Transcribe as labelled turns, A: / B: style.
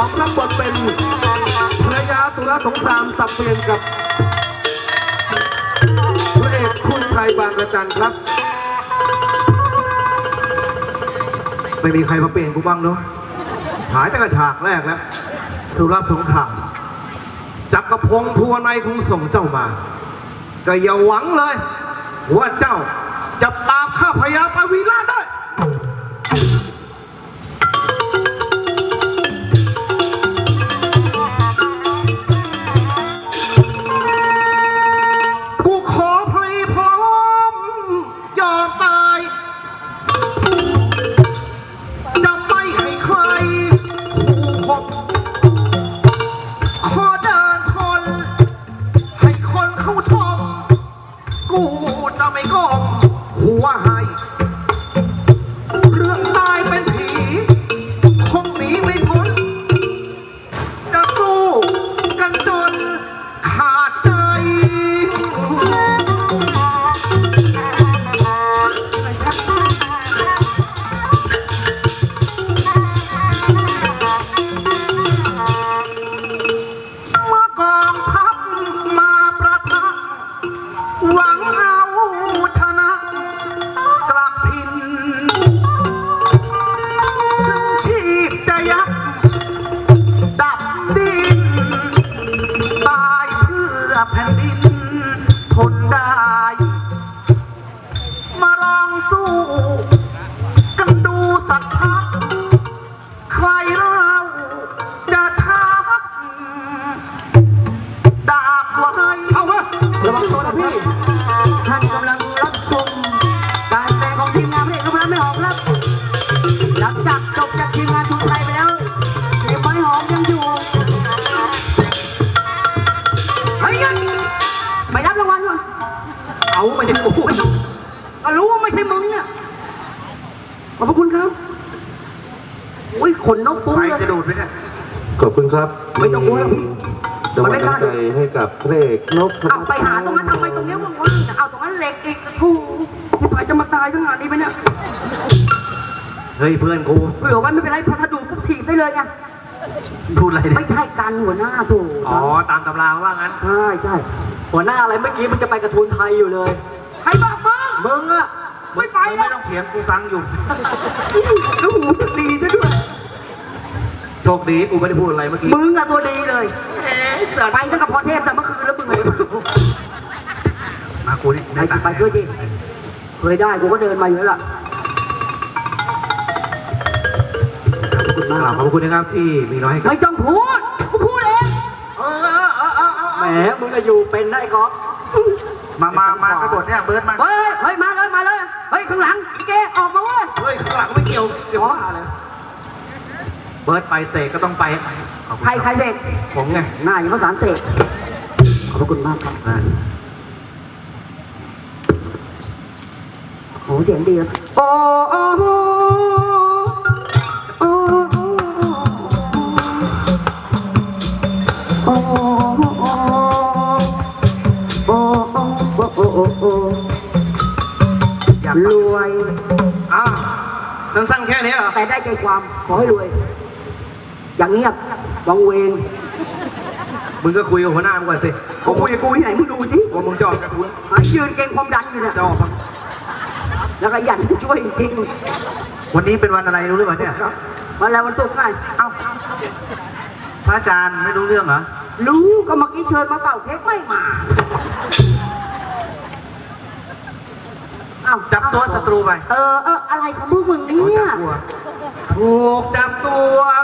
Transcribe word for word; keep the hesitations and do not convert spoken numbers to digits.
A: องรับบทเป็นภรรยาสุรสงครามสับเปลี่ยนกับพระเอกคุณไทยบางระจันครับ
B: ไม่มีใครมาเปลี่ยนกูบ้างเนาะหายแต่กระฉากแรกแล้วสุรสงครามจักรพงศ์ภูวนัยคงส่งเจ้ามาก็อย่าหวังเลยว่าเจ้าจะปราบข้าพญาปวีฬาได้กูขอพลีพร้อมยอมตายจะไม่ให้ใครขู่ข่มขอเดินชนให้คนเข้าชมกูจะไม่ก้มหัวให้เรื่องตายเป็นผีคงหนีไม่พ้นจะสู้กันจนขาดใจเมื่อกองทัพมาประทับหวังเอาชนะกลับถิ่นถึงชีพจะยับดับดินตายเพื่อแผ่นดินทนได้มาลองสู้กันดูสักพักใครเราจะทักดาบไว้เอาวะ
A: ระวังตัวนะพี่ท่านกำลังรับชมการแสดงของทีมงานพระเอกนพรัตน์ไม่หอมครับหลังจากจบจากทีมงานสุดท้ายไปแล้วเอกไม่หอมยังอยู่เฮ้ยงั้นไปรับรางวัลก่อน
B: เอามาจากกู
A: ก็รู้ว่าไม่ใช่มึงเนี่ยขอบพระคุณครับอุ้ยขนนกฟุ้ง
B: ใคร
A: เลย
B: จะดูดไปเนี่ย
C: ขอบคุณครับ
A: ไม่ต้องกลัวหรอกพี่
C: ราง
A: มัน
C: วัล
A: ไม่กล้า
C: น้ำใจ
A: ดู
C: ให้กับพระเอกนพ
A: เอาไปหาตรงนั้นทำไมตรงเนี้ยว่างๆแต่เอาตรงนั้นเหล็กอีกโอ้โหที่ผายจะมาตายทั้งงานนี้ไหมเนี่ย
B: เฮ้ยเพื่อนกู
A: เผื่อไว้ไม่เป็นไรพอถ้าดูปุ๊บถีบได้เลยไง
B: พูดอะไรเนี่ย
A: ไม่ใช่การหัวหน้าถูก
B: อ๋อตามตำราว่างั้น
A: ใช่ใช่
D: หัวหน้าอะไรเมื่อกี้มันจะไปกระทูนไทยอยู่เลย
A: ใครบอกมึง
D: มึงอะ
A: ไม่ไป
B: มึง
A: แล้
B: ไม่
A: ว
B: ต้องเถียงกูฟังอยู่
A: แล้วหูจะดีซะด้วย
B: โชคดีกูไม่ได้พูดอะไรเมื่อกี้
A: มึงอะตัวดีเลยไปตั้งแต่พรเทพแต่เมื่อคืนแล้วมึงเลย
B: มากูนี่
A: ไปดิไปด้วยดิเคยได้กูก็เดินมาอยู่แล้วล่ะขอบคุณมาก
B: ขอบคุณนะครับที่มีน้อยให้กับ
A: ไม่ต้องพูดกูพูดเอง
B: เออเออเออเออเออ
D: แหมมึงอะอยู่เป็นได้ก๊อฟ
B: มามามากระโดดเนี่ยเบิร์ดมา
A: เฮ้ยเฮ้ยมาเลยมาเลยเฮ้ยข้างหลังพี่เกออกมาเว้ย
B: เฮ้ยข้างหลังไม่เกี่ยวเสียงว่าเลยเบิร์ดไปเสกก็ต้องไปขอบคุณ
A: ใครใครเสก
B: ผมไง
A: หน้าอย่างเขาสารเสกขอบพระคุณมากครับโอ้เสียงดีโอ้โอ้โอ้โอ้โอ้โอ้โอ้โอ้โอ้โอ้
B: อยาก
A: รวย
B: อ้าวสั้นๆแค่นี้เหรอ
A: แต่ได้ใจความขอให้รวย อย่างเงียบวังเวง
B: มึงก็คุยกับหัวหน้ามึงก่อนสิ
A: เขาคุยกับกูที่ไหนมึงดูสิ
B: ว่ามึงจะออกกระทุน
A: หายยืนเก่งความดันอยู่เนี่ย
B: จะออกมา
A: แล้วก็ยันช่วยจริง
B: วันนี้เป็นวันอะไรรู้หรือเปล่าเนี่ย
A: ๆมาแล้ววันศุกร์ไง
B: เอ้าพระอาจารย์ไม่รู้เรื่องเหรอ
A: รู้ก็เมื่อกี้เชิญมาเป่าเค้กไม่มาเอ้า
B: จับตัวศัตรูไป
A: เออเอออะไรของพวกมึงเนี่ย
B: ถูกจับตัว